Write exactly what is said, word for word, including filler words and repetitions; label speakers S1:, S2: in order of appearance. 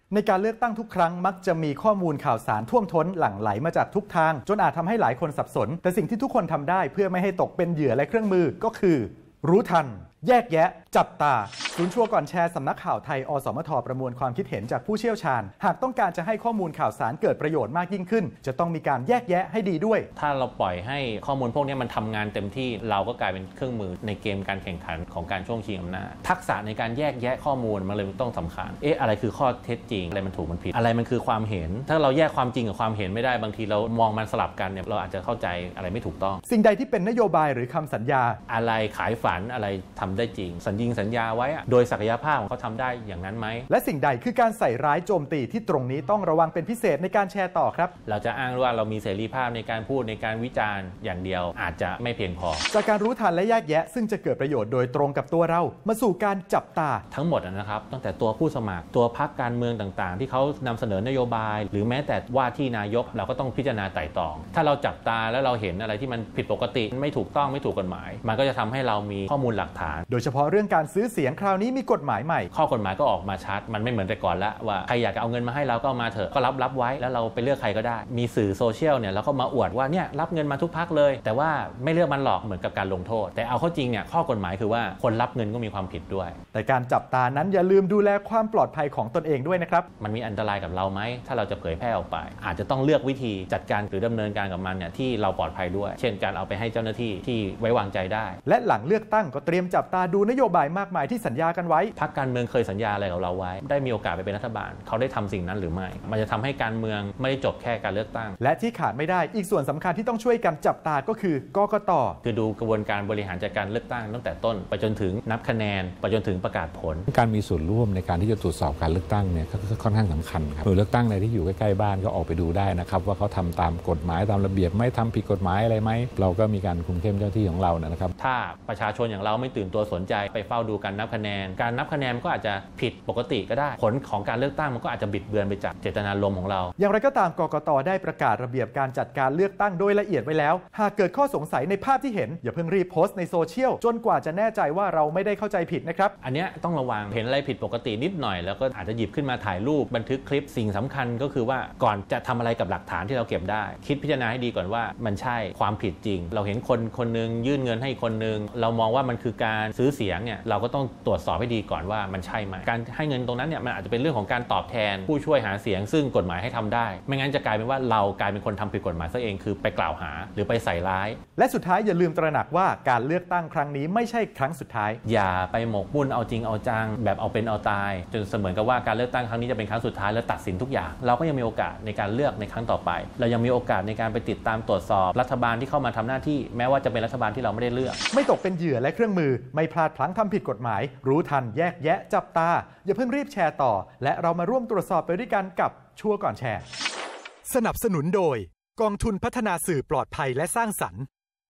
S1: ในการเลือกตั้งทุกครั้งมักจะมีข้อมูลข่าวสารท่วมท้นหลั่งไหลมาจากทุกทางจนอาจทำให้หลายคนสับสนแต่สิ่งที่ทุกคนทำได้เพื่อไม่ให้ตกเป็นเหยื่อและเครื่องมือก็คือรู้ทันแยกแยะจับตาศูนย์ชัวร์ก่อนแชร์สำนักข่าวไทยอสมทประมวลความคิดเห็นจากผู้เชี่ยวชาญหากต้องการจะให้ข้อมูลข่าวสารเกิดประโยชน์มากยิ่งขึ้นจะต้องมีการแยกแยะให้ดีด้วย
S2: ถ้าเราปล่อยให้ข้อมูลพวกนี้มันทำงานเต็มที่เราก็กลายเป็นเครื่องมือในเกมการแข่งขันของการช่วงชิงอำนาจทักษะในการแยกแยะข้อมูลมันเลยต้องสำคัญเอ๊ะอะไรคือข้อเท็จจริงอะไรมันถูกมันผิดอะไรมันคือความเห็นถ้าเราแยกความจริงกับความเห็นไม่ได้บางทีเรามองมันสลับกันเนี่ยเราอาจจะเข้าใจอะไรไม่ถูกต้อง
S1: สิ่งใดที่เป็นนโยบายหรือคำสัญญา
S2: อะไรขายฝันอะไรทำได้จริงสัญญิงสัญญาไว้โดยศักยภาพของเขาทำได้อย่างนั้นไหม
S1: และสิ่งใดคือการใส่ร้ายโจมตีที่ตรงนี้ต้องระวังเป็นพิเศษในการแชร์ต่อครับ
S2: เราจะอ้างว่าเรามีเสรีภาพในการพูดในการวิจารณ์อย่างเดียวอาจจะไม่เพียงพอ
S1: จากการรู้ทันและแยกแยะซึ่งจะเกิดประโยชน์โดยตรงกับตัวเรามาสู่การจับตา
S2: ทั้งหมดนะครับตั้งแต่ตัวผู้สมัครตัวพรรคการเมืองต่างๆที่เขานำเสนอนโยบายหรือแม้แต่ว่าที่นายกเราก็ต้องพิจารณาไต่ตรองถ้าเราจับตาแล้วเราเห็นอะไรที่มันผิดปกติไม่ถูกต้องไม่ถูกกฎหมายมันก็จะทำให้เรามีข้อมูลหลักฐาน
S1: โดยเฉพาะเรื่องการซื้อเสียงคราวนี้มีกฎหมายใหม่
S2: ข้อกฎหมายก็ออกมาชัดมันไม่เหมือนแต่ก่อนละว่าใครอยากจะเอาเงินมาให้เราก็มาเถอะก็รับรับไว้แล้วเราไปเลือกใครก็ได้มีสื่อโซเชียลเนี่ยแล้วก็มาอวดว่าเนี่ยรับเงินมาทุกพรรคเลยแต่ว่าไม่เลือกมันหลอกเหมือนกับการลงโทษแต่เอาเข้าจริงเนี่ยข้อกฎหมายคือว่าคนรับเงินก็มีความผิดด้วย
S1: แต่การจับตานั้นอย่าลืมดูแลความปลอดภัยของตนเองด้วยนะครับ
S2: มันมีอันตรายกับเราไหมถ้าเราจะเผยแพร่ออกไปอาจจะต้องเลือกวิธีจัดการหรือดำเนินการกับมันเนี่ยที่เราปลอดภัยด้วยเช่นการเอาไปให้เจ้าหน้าที่ที่ไว้วางใจได้
S1: และหลังเลือกตั้งก็เตรียมจับตาดูนโยบายมากมายที่สัญญากันไว้
S2: พรรคการเมืองเคยสัญญาอะไรกับเราไว้ได้มีโอกาสไปเป็นรัฐบาลเขาได้ทำสิ่งนั้นหรือไม่มันจะทำให้การเมืองไม่ได้จบแค่การเลือกตั้ง
S1: และที่ขาดไม่ได้อีกส่วนสำคัญที่ต้องช่วยกันจับตาก็คือกกต.
S2: คือดูกระบวนการบริหารจัดการเลือกตั้งตั้งแต่ต้นไปจนถึงนับคะแนนไปจนถึงประกาศผล
S3: การมีส่วนร่วมในการที่จะตรวจสอบการเลือกตั้งเนี่ยก็ค่อนข้างสำคัญครับหน่วยเลือกตั้งในที่อยู่ใกล้ๆบ้านก็ออกไปดูได้นะครับว่าเขาทำตามกฎหมายตามระเบียบไม่ทำผิดกฎหมายอะไรไหมเราก็มีการคุมเข้มเจ้าที่ของเรานะครับ
S2: ถ้าประชาชนอย่างเราไม่ตื่นตัวสนใจไปเฝ้าดูการนับคะแนนการนับคะแนนก็อาจจะผิดปกติก็ได้ผลของการเลือกตั้งมันก็อาจจะบิดเบือนไปจากเจตนารมณ์ของเรา
S1: อย่างไรก็ตามกกต.ได้ประกาศระเบียบการจัดการเลือกตั้งโดยละเอียดไว้แล้วหากเกิดข้อสงสัยในภาพที่เห็นอย่าเพิ่งรีบโพสต์ในโซเชียลจนกว่าจะแน่ใจว่าเราไม่ได้เข้าใจผิดนะครับ
S2: อันนี้ต้องระวังเห็นอะไรผิดปกตินิดหน่อยแล้วก็อาจจะหยิบขึ้นมาถ่ายรูปบันทึกคลิปสิ่งสำคัญก็คือว่าก่อนจะทำอะไรกับหลักฐานที่เราเก็บได้คิดพิจารณาให้ดีก่อนว่ามันใช่ความผิดจริงเราเห็นคนคนนึงยื่นเงินให้คนนึงเรามองว่ามันคือการซื้อเสียงเนี่ยเราก็ต้องตรวจสอบให้ดีก่อนว่ามันใช่ไหมการให้เงินตรงนั้นเนี่ยมันอาจจะเป็นเรื่องของการตอบแทนผู้ช่วยหาเสียงซึ่งกฎหมายให้ทำได้ไม่งั้นจะกลายเป็นว่าเรากลายเป็นคนทำผิดกฎหมายซะเองคือไปกล่าวหาหรือไปใส่ร้าย
S1: และสุดท้ายอย่าลืมตระหนักว่าการเลือกตั้งครั้งนี้ไม่ใช่ครั้งสุดท้าย
S2: อย่าไปหมกมุ่นเอาจริงเอาจังแบบเอาเป็นเอาตายจนเสมือนกับว่าการเลือกตั้งครั้งนี้จะเป็นครั้งสุดท้ายแล้วตัดสินทุกอย่างเราก็ยังมีโอกาสในการเลือกในครั้งต่อไปเรายังมีโอกาสในการไปติดตามตรวจสอบรัฐบาลที่เข้ามาทำหน้าที่แม้ว่าจะเป็นรัฐบาลที่เราไม่ได้เลือก
S1: ไม่ตกเป็นเหยื่อและเครื่องมือไม่พลาดพลั้งทำผิดกฎหมายรู้ทันแยกแยะจับตาอย่าเพิ่งรีบแชร์ต่อและเรามาร่วมตรวจสอบไปด้วยกันกับชัวร์ก่อนแชร์สนับสนุนโดยกองทุนพัฒนาสื่อปลอดภัยและสร้างสรรค์